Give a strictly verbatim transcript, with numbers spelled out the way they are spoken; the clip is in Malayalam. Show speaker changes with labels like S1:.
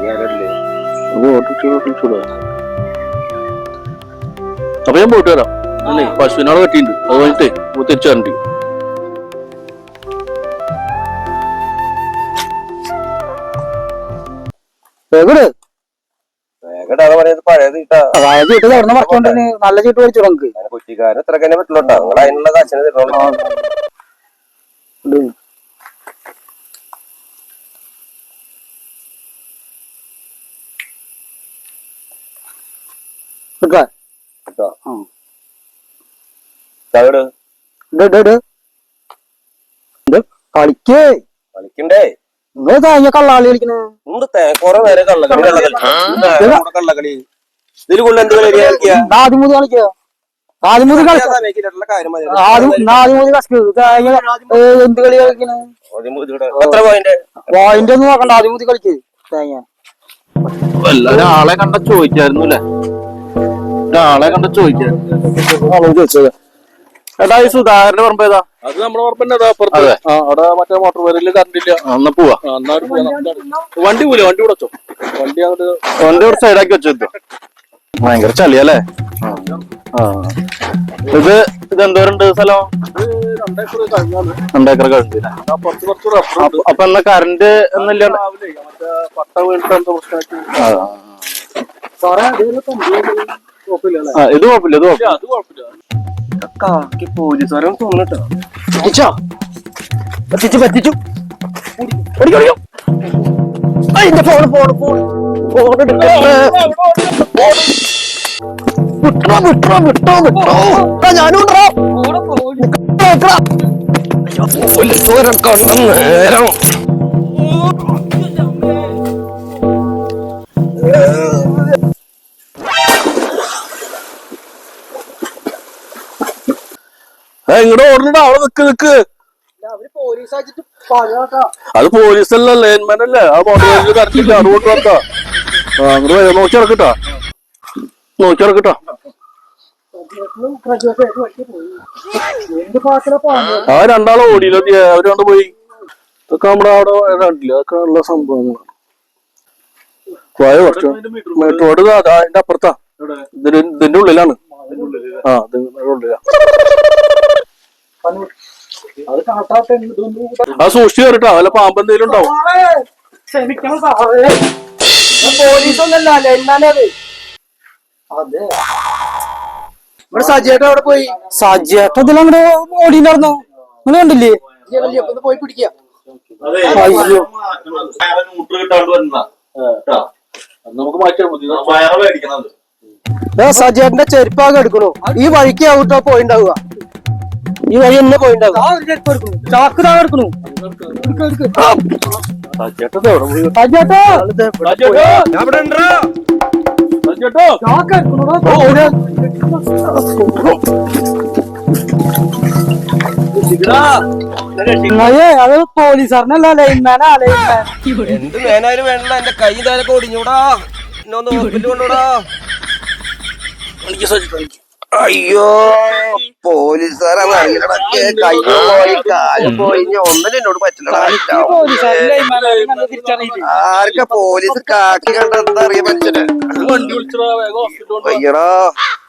S1: അപ്പൊ ഞാൻ പോയിട്ട് വരാം. അല്ലേ പശുവിനാളെ കെട്ടിണ്ട്, അത് കഴിഞ്ഞിട്ടേ തിരിച്ചു വരണ്ടി.
S2: നല്ല ചീട്ട് മേടിച്ചു നമുക്ക്
S3: കുറ്റിക്കാരൻ എത്ര തന്നെ പറ്റുള്ളൂട്ടോ. നിങ്ങൾ അതിനുള്ള കാശിന് തരുള്ളൂ.
S2: കളിക്കേ
S3: കളിക്കണ്ടേ
S2: നിങ്ങൾ തേങ്ങ കള്ളാളി കളിക്കണേ.
S3: കൊറേ നേരം കള്ളക്കളി കള്ളക്കളി ഇതിൽ കൊണ്ട് എന്ത് കളി
S2: ആദ്യമൂതി കളിക്കോ? ആദ്യമൂതി കളി ആദ്യമൂതി എന്ത് കളി കളിക്കണേ? പോയിന്റ് ഒന്നും നോക്കണ്ട, ആദ്യമൂതി കളിക്ക് തേങ്ങ.
S1: ഒരാളെ കണ്ട ചോദിക്കായിരുന്നു അല്ലേ? ഒരാളെ കണ്ട ചോദിക്കായിരുന്നു ചോദിച്ചത്. എടാ ഈ സുധാകരന്റെ പറമ്പ് ഏതാ?
S4: അത് നമ്മുടെ പറമ്പന്നെ അവിടെ മറ്റേ മോട്ടോർ വേരില് കറണ്ട് ഇല്ല.
S1: എന്നാ പോവാ.
S4: വണ്ടി പോലെ വണ്ടി കൂടെ വെച്ചോ. വണ്ടി അങ്ങോട്ട്
S1: വണ്ടി കൂടെ സൈഡാക്കി വെച്ചോ. ഭയങ്കര ചളിയല്ലേ? ഇത് ഇത് എന്തോരുണ്ട് സ്ഥലം? രണ്ടേക്കർ കഴിഞ്ഞില്ല. അപ്പൊ എന്നാ കറണ്ട് എന്നില്ല?
S4: പട്ട വീണിട്ട് എന്താ പ്രശ്നമാക്കി?
S1: ഇത് കുഴപ്പമില്ല, ഇത് കുഴപ്പമില്ല.
S4: അത് കുഴപ്പമില്ല.
S3: പോലീസുകാരും തോന്നിട്ടോ
S2: പറ്റിച്ചു പറ്റിച്ചു അതിന്റെ ഫോണ് ഫോണ് ഫോൺ ഫോൺ വിട്ടോ വിട്ടോ വിട്ടോ വിട്ടോ ഞാനും
S3: പോലീസുകാരെ കണ്ട നേരം
S1: ഇങ്ങോട്ട് ഓടണ്ട, അവിടെ നിക്ക് നിക്ക്. അത് പോലീസല്ല, ലൈൻമാൻ അല്ലേ? ആ മോട്ടോർ കറക്റ്റില്ല, അതുകൊണ്ട് വെക്കാ. അങ്ങോട്ട് നോക്കി ഇറക്കിട്ടാ, നോക്കി ഇറക്കിട്ടാ. ആ രണ്ടാളെ ഓടിയില്ല, അവര് കൊണ്ട് പോയി. ഇതൊക്കെ നമ്മുടെ അവിടെ കണ്ടില്ല, അതൊക്കെ ഉള്ള സംഭവങ്ങളാണ്. പോയ കുറച്ച് റോഡ് അതിന്റെ അപ്പുറത്താ, ഇതിന്റെ ഇതിന്റെ ഉള്ളിലാണ്. ആ ഇതിന്റെ ഉള്ളിലാ. ആ സൂക്ഷിച്ചു കയറിട്ടോ, അല്ല പാമ്പ് എന്തെങ്കിലും ഉണ്ടാവും.
S2: സജിയേട്ട അവിടെ പോയി. സജിയേട്ട ഇതിലങ്ങോട്ട് ഓടിയില്ലായിരുന്നോ? നിങ്ങൾ കണ്ടില്ലേ? പോയി പിടിക്കുക. സജിയേട്ടന്റെ ചെരുപ്പാകെ എടുക്കണു. ഈ വഴിക്ക് ഔട്ടോ പോയിണ്ടാവുക, ഈ വഴി എന്നെ പോയിണ്ടാവുക. ചാക്ക് താഴെ എടുക്കണു. അത് പോലീസുകാരനല്ല, ലൈൻമാനാ. ലൈൻമാൻ
S3: എന്ത് വേനായാലും വേണല്ലോ. എന്റെ കൈ താരൊക്കെ ഒടിഞ്ഞൂടാ. എന്നെ ഒന്ന് ഹോസ്പിറ്റലിൽ കൊണ്ടുകൂടാ. അയ്യോ പോലീസുകാരാന്ന് അറിയണ കയ്യോ പോയി കാലും പോയി. ഒന്നിനും എന്നോട് പറ്റില്ലടാ. ആർക്കാ പോലീസ് കാക്കി കണ്ട എന്താ അറിയാ മനുഷ്യന്? അയ്യടാ